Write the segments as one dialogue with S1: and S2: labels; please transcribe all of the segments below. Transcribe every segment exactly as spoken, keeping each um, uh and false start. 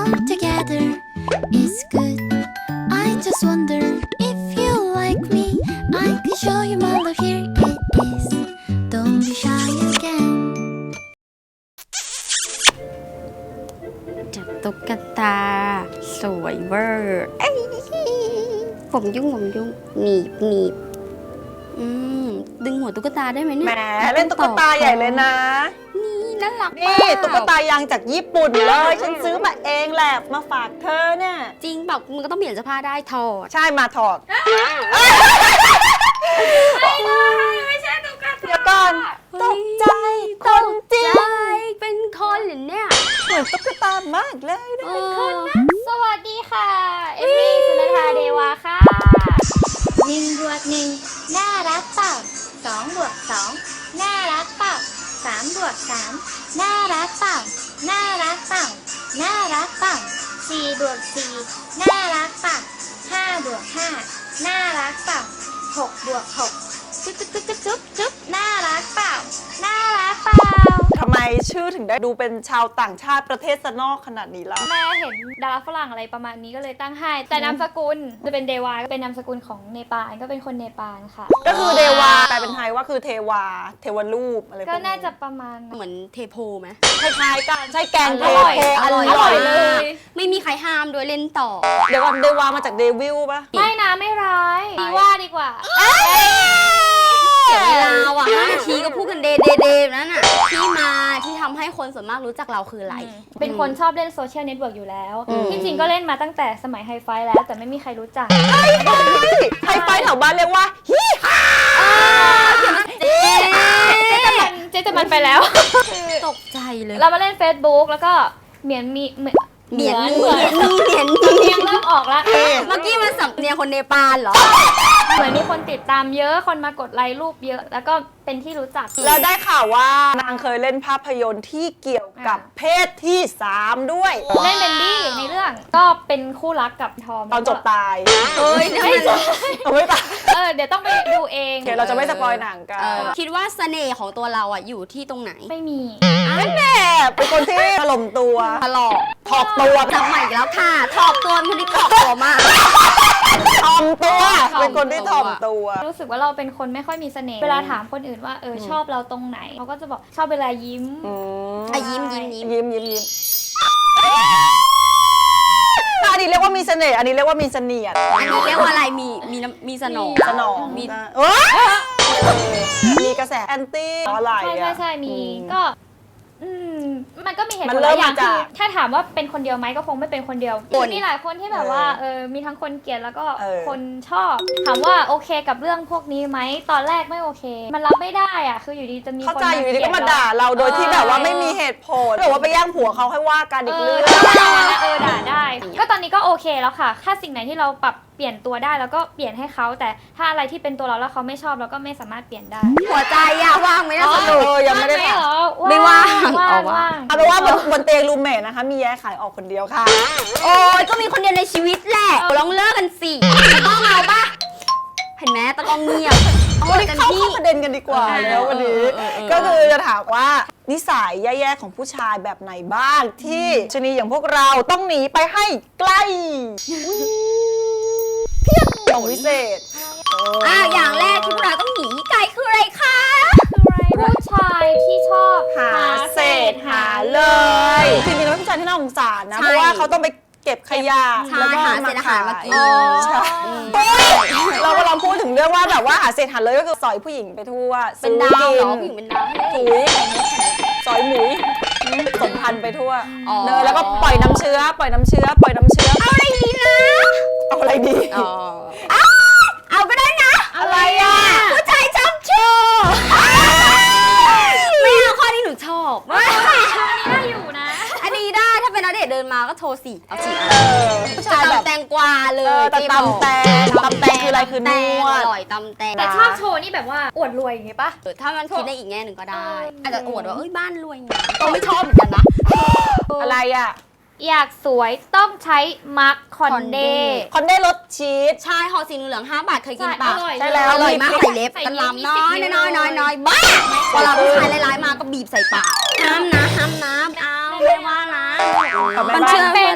S1: come together is good. I just wonder if you like me. I can show you my love. Here it is. Don't be shy again.
S2: จับตุ๊กตาสวยเวอร์เอ้ยผมยุ่งผมยุ่งหนีบหนีบอืมดึงหัวตุ๊กตาได้ไหมเนี่ย
S3: แหมเล่นตุ๊กตาใหญ่เลยนะ
S2: นี่น่ารัก
S3: นี่ตุ๊กตายางจากญี่ปุ่นเลยฉันซื้อมาเองแหละมาฝากเธอเนี่ย
S2: จริงเปล่ามึงก็ต้องเปลี่ยนเสื้อผ้าได้ถอด
S3: ใช่มาถอด
S2: ไม่ใช่ตุ๊กตา
S3: เดี๋ยวก่อนตกใจคนจริง
S2: ใช่เป็นคนเหรอเนี่ย
S3: เหมือนตุ๊กตามากเลยนะ
S2: เป็นคนนะ
S4: สวัสดีค่ะ เอมมี่สุนทราเดวาค่ะ
S1: หนึ่งบวกหนึ่งน่ารักเปล่าสองบวกสองน่ารักเปล่าสามบวกสามน่ารักเปล่าน่ารักเปล่าน่ารักเปล่าสี่บวกสี่น่ารักเปล่าห้าบวกห้าน่ารักเปล่าหกบวกหกจุ๊บจุ๊บจุ๊บจุ๊บจุ๊บจุ๊บน่ารักเปล่าน่ารักเปล่า
S3: ทำไมชื่อถึงได้ดูเป็นชาวต่างชาติประเทศสนอกขนาดนี้ล่ะ
S4: แม่เห็นดาราฝรั่งอะไรประมาณนี้ก็เลยตั้งให้ แต่นามสกุลจะเป็นเดวาก็เป็นนามสกุลของเนปาลก็เป็นคนเนปาลค่ะ
S3: ก็คือเดวาแปลเป็นไทยว่าคือเทวา เทวรูปอะไรพวก
S4: ก็
S3: นี้
S4: น่าจะประมาณ
S2: เหมือนเทโพไหม
S3: คล้ายๆกันใช่แกงเท
S4: อร่อย
S3: โพอ
S2: อร่อย
S3: ร่อย
S4: เล
S3: เลย
S4: ย
S2: ไม่มีใครห้ามด้วยเล่นต่อ
S3: เดี๋ยวก่อนเดวามาจากเดวิลปะ
S4: ไม่นะไม่ร้ายดีว่าดีกว่า
S2: เสียเวลาว่ะห้านาทีก็พูดกันเดเดเดนั่นน่ะที่มาที่ทำให้คนส่วนมากรู้จักเราคืออะไร
S4: เป็นคนชอบเล่นโซเชียลเน็ตเวิร์กอยู่แล้ว
S2: อืม
S4: ที่จริงก็เล่นมาตั้งแต่สมัยไฮไฟแล้ว แต่ไม่มีใครรู้จัก
S3: ไฮไฟแถวบ้านเรียกว่าฮิฮ่า
S2: เจ๊
S4: เจ๊จะมันเจ๊จะมันไปแล้ว
S2: ตกใจเลย
S4: เรามาเล่น Facebook แล้วก็เหมียนมีเหมือน
S2: เหมียน
S4: เหมือน
S2: เหมียน
S4: เหมือนเนียงเริ่มออกแล้ว
S2: เมื่อกี้มันสำเนียงคนเนปาลเหรอ
S4: เหมือนมีคนติดตามเยอะคนมากดไลค์รูปเยอะ แล้วก็เป็นที่รู้จัก
S3: แล้วได้ข่าวว่านางเคยเล่นภาพยนตร์ที่เกี่ยวกับเพศที่สามด้วย
S4: เล่นเป็นดี้ในเรื่องก็เป็นคู่รักกับทอม
S3: ตอนจบตาย
S2: เฮ้ยนี่
S4: ไม่
S2: มัน
S4: ใช่
S3: เอาไม่ตาย
S4: เออเดี๋ยวต้องไปดูเอง
S3: โอเคเราจะไม่สปอยหนังกัน
S2: เออคิดว่าเสน่ห์ของตัวเราอ่ะอยู่ที่ตรงไหน
S4: ไม่มี
S3: แม่เป็นคนที่ถล่มตัว
S2: ถลอก
S3: ถอกตัว
S2: จับใหม่อีกแล้วค่ะถอกตัวเป็นคนที่ถอกตัวมาก
S3: ถ่อมตัว
S2: ถ่อมตัว
S3: เป็นคนที่ถ่อมตัว
S4: รู้สึกว่าเราเป็นคนไม่ค่อยมีเสน่ห์เวลาถามคนอื่นว่าเออชอบเราตรงไหนเขาก็จะบอกชอบเวลายิ้ม
S3: อืม
S2: อ่ะยิ้มยิ้มยิ้ม
S3: ยิ้มยิ้มยิ้มอันนี้เรียกว่ามีเสน่ห์อันนี้เรียกว่ามีเสนียด
S2: อันนี้เรียกว่าอะไรมีมีน้ำมีสนอง
S3: สนอง
S2: มี
S3: นะเอ้ยมีกระแสแอนตี้อะไร
S4: ใช่
S3: อ่ะ
S4: ใช่ใช่มี
S3: อืม
S4: ก็อืมมันก็มีเหตุ
S3: มั
S4: ผล
S3: น
S4: ห
S3: เริ่
S4: ลาม ยอย่าง
S3: มาจาก
S4: คือถ้าถามว่าเป็นคนเดียวไหมก็คงไม่เป็นคนเดียวมีหลายคนที่แบบว่าเออมีทั้งคนเกลียดแล้วก็
S3: เออ
S4: คนชอบ ถามว่าโอเคกับเรื่องพวกนี้ไหมตอนแรกไม่โอเค มันรับไม่ได้อ่ะคืออยู่ดีจะมี
S3: เข้า
S4: คน
S3: ใจอยู่ดีๆก็มาด่าเราโดยที่แบบว่าไม่มีเหตุผลหรือว่าไปแย่งผัวเขาให้ว่ากันอีก
S4: เอ
S3: เรื่
S4: อ
S3: อง
S4: ด่าเออด่าได้ ก็ตอนนี้ก็โอเคแล้วค่ะ ถ้าสิ่งไหนที่เราปรับเปลี่ยนตัวได้แล้วก็เปลี่ยนให้เขาแต่ถ้าอะไรที่เป็นตัวเราแล้วเขาไม่ชอบเราก็ไม่สามารถเปลี่ยนได้
S2: หัวใจอะว่างไหมนะ
S3: อ๋อ
S2: สรุป
S3: เออยังไม่ได้
S4: ว่างห
S3: ถาม
S4: เหรอ
S2: ไม่ว่าง
S4: ว่าง
S2: เอาว่าง
S4: ว่าง
S3: เอาเป็นว่าบนบนเตียงรูมเมทนะคะ มีแย้ขายออกคนเดียวค่ะ
S2: โอ้ยก็มีคนเดียวในชีวิตแหละลองเลิกกันสิตะก้องเอาปะเห็นไหมตะก้องเงียบเอา
S3: วันนี้
S2: กัน
S3: เข้า
S2: ที่
S3: เข้าประเด็นกันดีกว่า
S2: เออ
S3: แล้ววันนี้
S2: เออเออเออ
S3: ก็คือจะถามว่านิสัยแย่ๆของผู้ชายแบบไหนบ้างที่ชนีอย่างพวกเราต้องหนีไปให้ใกล้เพียงของวิเศษ
S2: อ่ะอย่างแรกที่พวกเราต้องหนีไกลคืออะไรคะ
S4: ผู้ชายที่ชอบ
S3: หาเศษหาเลยจริงๆแล้วเป็นผู้ชายที่น่าสงสารนะ
S2: ใช่
S3: เพราะว่าเขาต้องไปเก็บขยะ
S2: ใช่
S3: แล้วก็
S2: หาเศษอาหารมากิน
S3: ใช่
S2: อืม
S3: เรากำลังพูดถึงเรื่องว่าแบบว่าหาเศษหาเลยก็คือสอยผู้หญิงไปทั่ว
S2: เป็นดาวเหรอ
S3: ซื้
S2: ผู้หญิงเป็นดาว
S3: ถุยสอยหมุยสมพันธุ์ไปทั่ว
S2: อ๋อ
S3: เนยแล้วก็ปล่อยน้ำเชื้อ ปล่อยน้ำเชื้อ ปล่อยน้ำเชื้อ
S2: เอาอะไรดีนะ
S3: เอาอะไรดี
S2: อ๋อเอาก็ได้นะ
S3: อะไรอ่ะ
S2: ผู้ชายชอบโชว์ไม่เอาข้อนี้หนูชอบ
S4: ได้อยู่นะ
S2: อันนี้ได้ถ้าเป็นนักเดทเดินมาก็โทรสิเอาสิ
S3: เออผู้ชายแบบ
S2: ตำแตงกวาเล
S3: เอย อแต่
S2: ที่บอก
S3: ตำแตงตำแตงคืออะไรคือนวด
S2: อร่อยตำแตง
S4: แต่ชอบโชว์นี่แบบว่าอวดรวยอย่างงี้ปะ
S2: เออถ้ามันคิดได้อีกแง่หนึ่งก็ได้
S4: เอออ
S2: อาจจะอวดว่าเอ้ยบ้านรวยไงก็ไม่ชอบเหมือนกันนะ
S3: อะไรอ่ะ
S4: อยากสวยต้องใช้มาร์คคอนเด
S2: Conde
S3: คอนเด้รสชีส
S2: ใช่ห่อสีเหลืองห้าบาทเคยกินปะ
S4: อร่อย
S3: ใช่แล้ว
S2: อร่อยมากใส่เล็บ
S4: ใส่
S2: กัน
S4: เล็บ
S2: ลำน้อย
S4: มีสิบ
S2: น้อยน้อยน้อยบ้าเวลาผู้ชายร้ายๆมาก็บีบใส่ปากห้ามนะห้ามนะเอาไม่ว่านะ
S3: แต่ไม่
S2: มัน
S3: ว่า
S2: เชื่อ
S4: เป็
S2: เป็น นอะไร
S4: นะ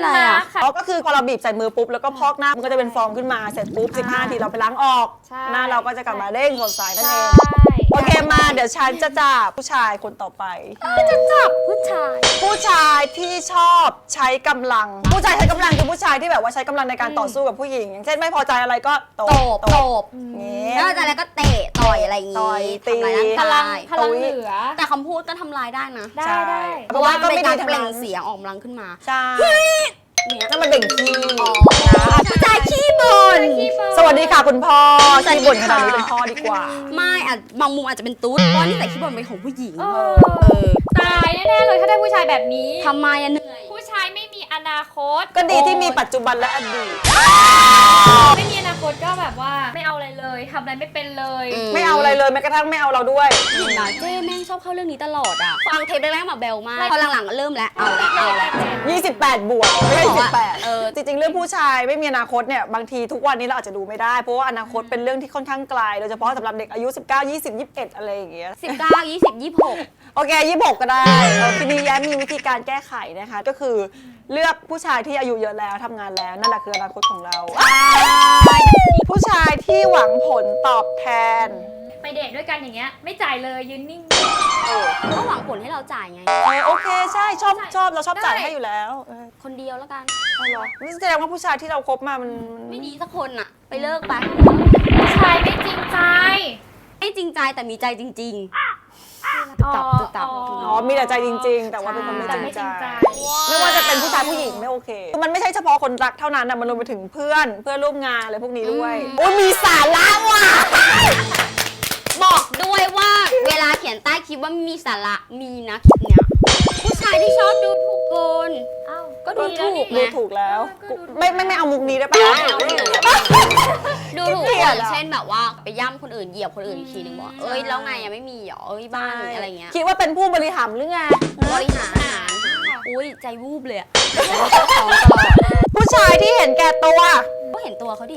S4: ค่ะ
S3: อ๋อก็คือพอเราบีบใส่มือปุ๊บแล้วก็พอกหน้ามันก็จะเป็นฟองขึ้นมาเสร็จปุ๊บสิบห้านาทีเราไปล้างออก
S4: ใช่
S3: หน้าเราก็จะกลับมาเด้งสดใสนั่นเอง
S4: ใช่
S3: โอเคมาเดี๋ยวฉันจะจับผู้ชายคนต่อไป
S2: จะจับผู้ชาย
S3: ผู้ชายที่ชอบใช้กำลัง ผู้ชายใช้กำลังคือผู้ชายที่แบบว่าใช้กำลังในการต่อสู้กับผู้หญิง อย่างเช่นไม่พอใจอะไรก็ตบ
S2: ตบตบ
S3: งี้
S2: แล้วจากนั้นก็เตะต่อยอะไรอย่างงี้
S3: ต่อยตี
S2: ทำร้ายร่างกาย
S4: พลังพลังเหลือ
S2: แต่คำพูดก็ทำร้ายได้นะ
S4: ได้
S3: ใช่
S4: ได้
S2: เพราะว่า
S3: ก็
S2: เป็
S3: ไม่
S2: น
S3: ดี
S2: การ
S3: ทั้ง
S2: เปล่
S3: นั้
S2: ง
S3: น
S2: เสียงออกกำลังขึ้นมา
S3: ใช่
S2: เนี่ย
S3: นั่นมันเบ่งขี้
S2: ผู้ชายขี้บ่น
S3: สวัสดีค่ะคุณพ่อขี้บ่นขนาดนี้เป็นพ่อดีกว่า
S2: ไม่อาจบางมุมอาจจะเป็นตุ๊ดเพราะนี่ใส่ขี้บ่นเป็นของผู้หญิง
S4: เอ
S2: เอ
S4: อ
S2: อ
S4: ตายแน่ๆเลยถ้าได้ผู้ชายแบบนี้
S2: ทำไมอะเหนื่อย
S4: ผู้ชายไม่มีอนาคต
S3: ก็ดีที่มีปัจจุบันและอดีต
S4: ไม่มีอนาคตก็แบบว่าไม่เอาอะไรเลยทำอะไรไม่เป็นเลย
S3: ไม่เอาอะไรเลยแม้กระทั่งไม่เอาเราด้วย
S2: เห็นนะเจ้แม่งชอบเข้าเรื่องนี้ตลอดอ่ะฟังเทปแรกๆมาเบลมากพอหลังๆก็เริ่มแล้วเอาแล้วเอาแล้ว
S3: ยี่สิบแปด บวกไม่ใช่สิบแปด
S2: เออ
S3: จริงๆ เรื่องผู้ชายไม่มีอนาคตเนี่ยบางทีทุกวันนี้เราอาจจะดูไม่ได้ เพราะว่าอนาคตเป็นเรื่องที่ค่อนข้างไกลโดยเฉพาะสำหรับเด็กอายุ สิบเก้า ยี่สิบ ยี่สิบเอ็ด อะไรอย่างเงี้ย
S2: สิบเก้ายี่สิบยี่สิบหก
S3: โอเค ยี่สิบหก ก็ได้เออทีนี้แย้มมีวิธีการแก้ไขนะคะ ก็คือเลือกผู้ชายที่อายุเยอะแล้วทำงานแล้วนั่นแหละคืออนาคตของเรา ผู้ชายที่หวังผลตอบแทน
S4: ไปเดทด้วยกันอย่างเงี้ยไม่จ่ายเลยยืนนิ่ง
S2: ก็หวังผลให้เราจ่ายไง
S3: เออโอเคใช่ชอบชอบเราชอบจ่ายให้อยู่แล้วเออ
S2: คนเดียวแล้วกัน
S3: เอาเหรอนี่แสดงว่าผู้ชายที่เราคบมามัน
S2: ไม่ดีสักคนอ่ะ ไปเลิกไป
S4: ผู้ชายไม่จริงใจ
S2: ไม่จริงใจแต่มีใจจริง
S4: อ๋อ
S2: ตับตับ
S3: อ๋อมีแต่ใจจริง ๆ แต่ว่าเป็นคนไม่
S4: แต่
S3: จริง
S4: ไม่จ
S3: ใจ
S4: ริงใจ
S3: ไม่ว่าจะเป็นผู้ชายผู้หญิงไม่โอเค มันไม่ใช่เฉพาะคนรักเท่านั้นนะมันรวมไปถึงเพื่อนเพื่อนร่วมงานอะไรพวกนี้ด้วยโอ้ยมีสาระว่ะ
S2: ๆ บอกด้วยว่าเวลาเขียนใต้คลิปว่าไม่มีสาระมีนะคลิปเนี้ยผู้ชายที่ชอบดูถูกคน
S4: เอ้า
S2: ก็ดู
S4: แล้ว
S2: ถูก
S3: ดูถูกแล้ว
S4: ก็ดูถูก
S3: ไม่ไม่ไม่เอามุกนี้ได้ปะ
S2: ไม่เอาไม่เอาดูถูก
S3: เกลี
S2: ค
S3: ย
S2: น
S3: ดอะ
S2: เช่นแบบว่าไปย่ำคนอื่นเหยียบคนอื่นอีกทีนึงบอกเอ้ยแล้วไงอะไม่มีเหรอเอ้ยบ้านอะไรเงี้ย
S3: คิดว่าเป็นผู้บริหารหรือไง
S2: บริหารอาหารอุ้ยใจวูบเลยอะเขาเจ้าของตลอด
S3: ผู้ชายที่เห็นแก่ตัว
S2: ก็เห็นตัวเขาดิ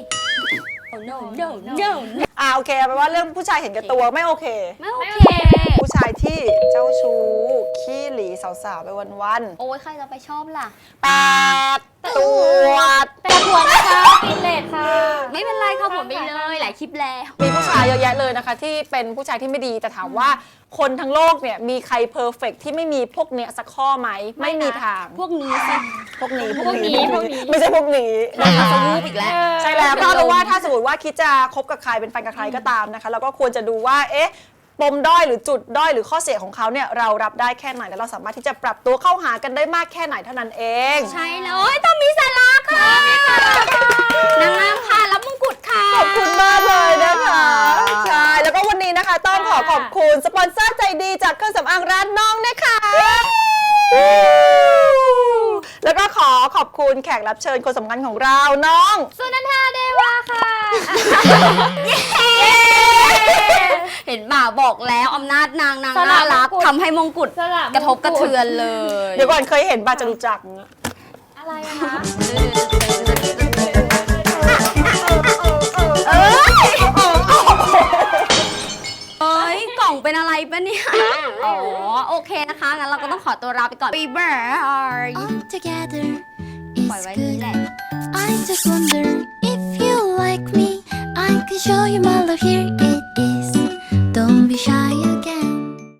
S2: oh no no no
S3: อ่าโอเคแปลว่าเรื่องผู้ชายเห็นแก่ตัวไม่โอเค
S2: ไม่โอ
S4: ไม่
S2: เค
S4: โอเค
S3: ผู้ชายที่เจ้าชู้ขี้หลีสาวๆไปวัน
S2: โอ้ยใครจะไปชอบล่ะ
S3: ๆแปดตัว
S4: แต่หัวนะคะกินเลทค่ะ
S2: ไม่เป็นไรค่ะผมไปเลยหลายคลิปแล้ว
S3: มีผู้ชายเยอะแยะเลยนะคะ ที่เป็นผู้ชายที่ไม่ดีแต่ถามว่าคนทั้งโลกเนี่ยมีใครเพอร์เฟกที่ไม่มีพวกเนี้ยสักข้อไหมไม่มีทาง
S2: พวกนี้สิ
S3: พวกนี้
S4: พวกนี้พวกนี้
S3: ไม่ใช่พวกนี้
S2: เราจะวูบอีกแล้ว
S3: ใช่แล้วก็รู้ว่าถ้าสมมติว่าคิดจะคบกับใครเป็นแฟนกับใครก็ตามนะคะเราก็ควรจะดูว่าเอ๊ะปมด้อยหรือจุดด้อยหรือข้อเสียของเขาเนี่ยเรารับได้แค่ไหนและเราสามารถที่จะปรับตัวเข้าหากันได้มากแค่ไหนเท่านั้นเอง
S2: ใช่แล้วโอ้ยต้องมีสาระค่ะนางงามค่ะรับมงกุฎค่ะ
S3: ขอบคุณมากเลยนะคะใช่แล้วก็วันนี้นะคะต้องขอขอบคุณสปอนเซอร์ใจดีจากเครื่องสำอางร้านน้องนะคะแล้วก็ขอขอบคุณแขกรับเชิญคนสำคัญของเราน้อง
S4: สุนันทาเดวาค่ะ
S2: เห็นบ่าบอกแล้วอำนาจนางนาง
S4: สละ
S2: น่ารัก
S4: มงกุฎ
S2: ทำให้มงกุฎ
S4: สละมงกุฎ
S2: กระทบกระเทือนเลย
S3: เดี๋ยวก่อนเคยเห็นบาจรุจักรเนี่ย
S4: อะไรอะคะ
S3: เอ้ย
S2: เอ้ยกล่องเป็นอะไรปะเนี่ย อ๋อ โอเคนะคะ งั้นเราก็ต้องขอตัวลาไปก่อน Be bye
S5: All together
S2: ปล่อย
S5: is
S2: ไว้นี่แหละ
S5: good. I just wonder if you like me. I can show you my love. Here it is. Don't be shy again.